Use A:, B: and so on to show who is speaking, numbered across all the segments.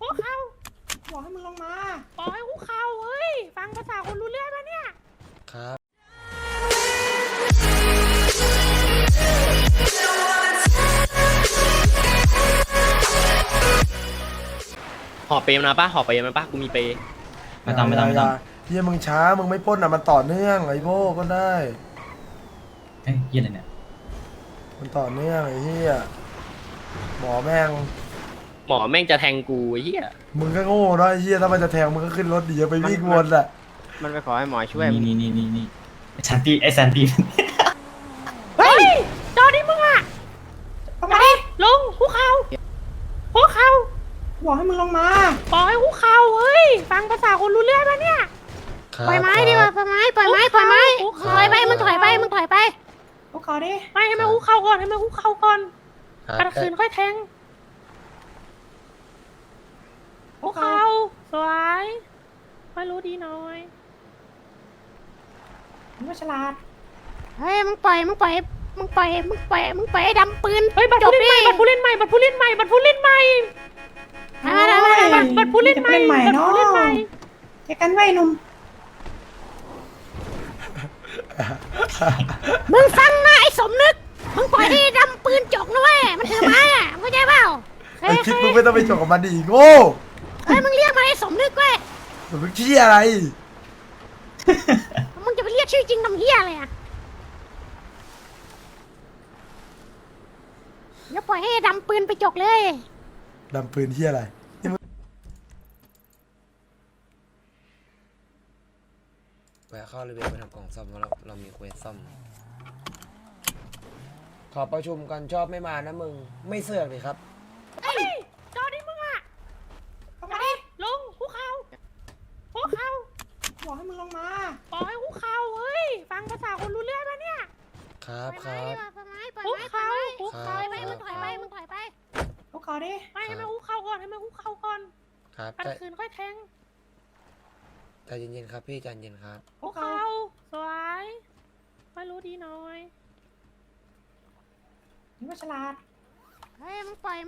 A: วกเขา
B: บอกให้มึงลงมา
A: บอกให้คุกเข่าเฮ้ยฟังภาษาคนรู้เรื่องปะเนี่ย
C: ครับ
D: ห่อเปรย์มาปะห่อเปรย์มาปะกูมีเปรย์
E: ไม่ต้อง
B: เฮียมึงช้ามึงไม่ปล้นอ่ะมันต่อเนื่องไอ้โบก็ได้
E: เฮ้ยเยี่ยอะไรเนี่ย
B: มันต่อเนื่องไอ้เฮียหมอแม่ง
D: หมอแม่งจะแทงกูไอ้เหี้ย
B: มึงก็โง่เนาะไอ้เฮียถ้ามันจะแทงมึงก็ขึ้นรถดีไปวิ่งวนอ่ะ
C: มันไปขอให้หมอช่วย
E: นี่ชันตีไอ้แซนตี
A: เฮ้ยจอดิมึงอะทำไมลงคุกเข่าคุกเข่าบอกให้มึงลงมาบอกให้คุกเข่าเฮ้ยฟังภาษาคนรู้เรื่องปะเนี่ย
C: ปล่อยไม้ดีกว่าปล่อยไม้ปล่อยไม้ถอยไปมึงถอยไป
A: คุกเข่าดิไม่ให้มันคุกเข่าก่อนให้มันคุกเข่าก่อนกระคืนค่อยแทงคุกเข่าสวยไม่รู้ดีน้อยมึงก็ฉลาด
C: เฮ้ยมึงปล่อยดำปืน
A: เฮ้ยบัตรผู้เล่นใหม่บัตรผู้เล่นใหม่บัตรผู้เล่นใหม่บัตรผู้เล่นใหม่บัตรผู้เล่นใหม่เจอกันไว้หนุ่ม
C: มึงฟังนะไอ้สมนึกมึงปล่อยให้ดำปืนจกนะเว้ยมันถือไม้อ่ะมึงเข้าใจเปล่า
B: ไอ้คิดมึงไม่ต้องไปจบกับมันดิโง่
C: เฮ้ยมึงเรียกมาไอ้สมนึกเว้ย
B: มึงเชี่ยอะไร
C: มึงจะไปเรียกชื่อจริงทำเหี้ยอะไรอ่ะเดี๋ยวปล่อยให้ดำปืนไปจกเลย
B: ดำปืนเชี่ยอะไร
F: แวะเข้ารีเวลไปทำกล่องซ่อมเพราะเรามีเควสซ่อมขอประชุมกันชอบไม่มานะมึงไม่เสือกเลยครับ
A: เฮ้ยจอดิมึงอะทำไมลงคุกเข่าคุกเข่าบอกให้มึงลงมาบอกให้คุกเข่าเฮ้ยฟังภาษาคนรู้เรื่องปะเนี่ย
F: ครับครับ
A: คุกเข่าคุก
F: ครั
A: เข่า
F: บ
C: มึงถอยไป
A: คุกเข่าดิไม่ให้มันคุกเข่าก่อนให้มันคุกเข่าก่อน
F: ครับ
A: กระคืนค่อยแทง
F: ใจเย็นๆครับพี่ใจเย็นครับ
A: คุกเข่าสวยไม่รู้ดีน้อยมึงก็ฉลาด
C: เฮ้ยมึงปล่อย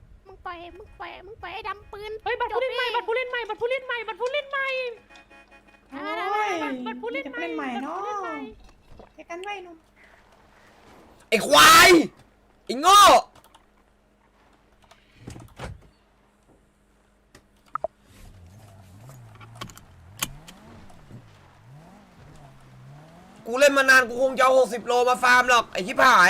C: ให้ดำปืน
A: เฮ้ยบัตรผู้เล่นใหม่บัตรผู้เล่นใหม่บัตรผู้เล่นใหม่บัตรผู้เล่นใหม่บัตรผู้เล่นใหม่เนาะเจอกันไว้หนุ่ม
F: ไอ้ควายไอ้โง่กูเล่นมานานกูคงจะเอา60 โลมาฟาร์มหรอกไอ้ชิบหาย